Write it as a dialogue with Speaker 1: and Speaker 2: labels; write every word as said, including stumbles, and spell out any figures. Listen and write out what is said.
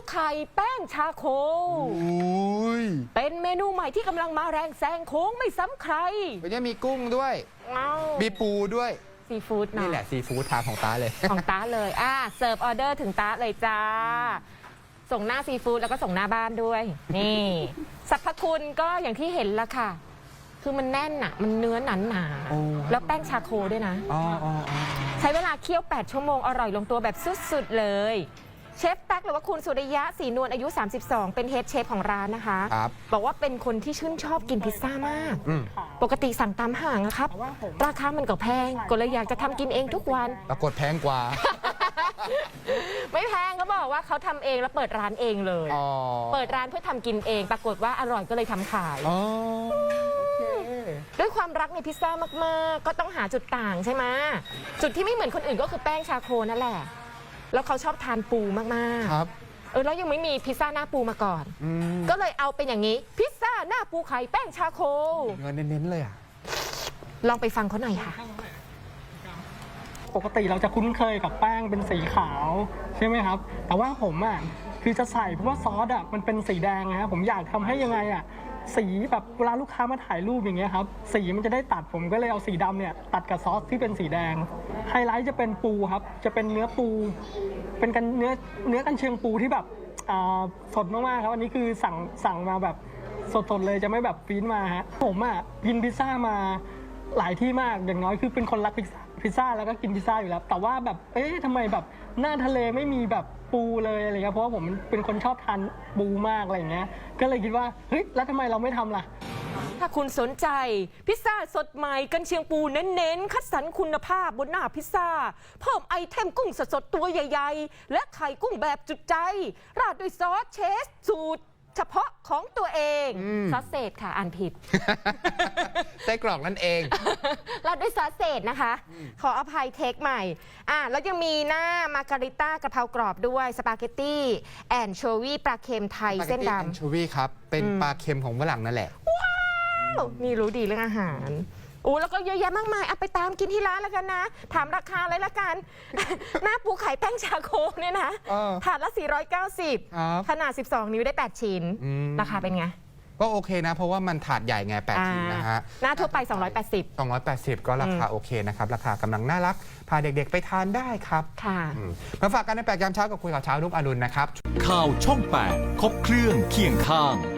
Speaker 1: ไข่แป้งชาโคเป็นเมนูใหม่ที่กำลังมาแรงแซงโค้งไม่ซ้ำใคร
Speaker 2: วันนี้มีกุ้งด้วยมีปูด้วย
Speaker 1: ซีฟู้ด
Speaker 2: นี่แหละซีฟู้ดทางของตาเลย
Speaker 1: ของตาเลยอ่ะเสิร์ฟออเดอร์ถึงตาเลยจ้าส่งหน้าซีฟู้ดแล้วก็ส่งหน้าบ้านด้วยนี่สรรพคุณก็อย่างที่เห็นละค่ะคือมันแน่นอ่ะมันเนื้อหนาหนาแล้วแป้งชาโคด้วยนะใช้เวลาเคี่ยวแปดชั่วโมงอร่อยลงตัวแบบสุดๆเลยเชฟแป๊กหรือว่าคุณสุริยะศรีนวลอายุสามสิบสองเป็นเฮดเชฟของร้านนะคะบอกว่าเป็นคนที่ชื่นชอบกินพิซซ่ามากปกติสั่งตามห้างนะครับราคามันก็แพงก็เลยอยากจะทำกินเองทุกวัน
Speaker 2: ปรากฏแพงกว่า
Speaker 1: ไม่แพงเขาบอกว่าเขาทำเองแล้วเปิดร้านเองเลยเปิดร้านเพื่อทำกินเองปรากฏว่าอร่อยก็เลยทำขายด้วยความรักในพิซซ่ามากๆก็ต้องหาจุดต่างใช่ไหมจุดที่ไม่เหมือนคนอื่นก็คือแป้งชาโคนั่นแหละแล้วเขาชอบทานปูมากๆครับเออแล้วยังไม่มีพิซซ่าหน้าปูมาก่อนก็เลยเอาเป็นอย่างนี้พิซซ่าหน้าปูไข่แป้งชาโค
Speaker 2: เงินเน้นๆเลยอ่ะ
Speaker 1: ลองไปฟังเขาหน่อยค่ะ
Speaker 3: ปกติเราจะคุ้นเคยกับแป้งเป็นสีขาวใช่ไหมครับแต่ว่าผมอ่ะคือจะใส่เพราะว่าซอสอ่ะมันเป็นสีแดงนะผมอยากทำให้ยังไงอ่ะสีแบบเวลาลูกค้ามาถ่ายรูปอย่างเงี้ยครับสีมันจะได้ตัดผมก็เลยเอาสีดำเนี่ยตัดกับซอสที่เป็นสีแดงไฮไลท์จะเป็นปูครับจะเป็นเนื้อปูเป็นกันเนื้อเนื้อกันเชียงปูที่แบบสดมากๆครับอันนี้คือสั่งสั่งมาแบบสดๆเลยจะไม่แบบฟีนมาฮะผมอ่ะกินพิซซ่ามาหลายที่มากอย่างน้อยคือเป็นคนรักพิซซ่าพิซซ่าแล้วก็กินพิซซ่าอยู่แล้วแต่ว่าแบบเอ๊ะทำไมแบบหน้าทะเลไม่มีแบบปูเลยอะไรเงี้ยเพราะว่าผมเป็นคนชอบทานปูมากอะไรเงี้ยก็เลยคิดว่าเฮ้ยแล้วทำไมเราไม่ทำล่ะ
Speaker 1: ถ้าคุณสนใจพิซซ่าสดใหม่กันเชียงปูเน้นๆคัดสรรคุณภาพบนหน้าพิซซ่าเพิ่มไอเทมกุ้งสดๆตัวใหญ่ๆและไข่กุ้งแบบจุดใจราดด้วยซอสเชสสูตรเฉพาะของตัวเองซอสเศษค่ะอ่านผิด
Speaker 2: ไส้กรอกนั่นเอง
Speaker 1: ราดด้วยซอสเศษนะคะขออภัยเทคใหม่อ่ะแล้วยังมีหน้ามาการิต้ากะเพรากรอบด้วยสปาเกตตี้แอนโชวีปลาเค็มไทยเส้นดำ
Speaker 2: แอนโชวีครับเป็นปลาเค็มของฝรั่งนั่นแหละ
Speaker 1: ว้าวนี่รู้ดีเรื่องอาหารอู้แล้วก็เยอะแยะมากมายเอาไปตามกินที่ร้านแล้วกันนะถามราคาเลยละกันหน้าปูไข่แป้งชาโคเนี่ยนะถาดละสี่ร้อยเก้าสิบขนาดสิบสองนิ้วได้แปดชิ้นราคาเป็นไง
Speaker 2: ก็โอเคนะเพราะว่ามันถาดใหญ่ไงแปดชิ้นนะฮะ
Speaker 1: หน้าทั่วไปสองร้อยแปดสิบ
Speaker 2: สองร้อยแปดสิบก็ราคาโอเคนะครับราคากำลังน่ารักพาเด็กๆไปทานได้ครับ
Speaker 1: ค่ะ
Speaker 2: มาฝากกันในแปดยามเช้ากับคุยข่าวเช้ารุ่งอรุณนะครับ
Speaker 4: ข่าวช่องแปดครบเครื่องเคียงข้าง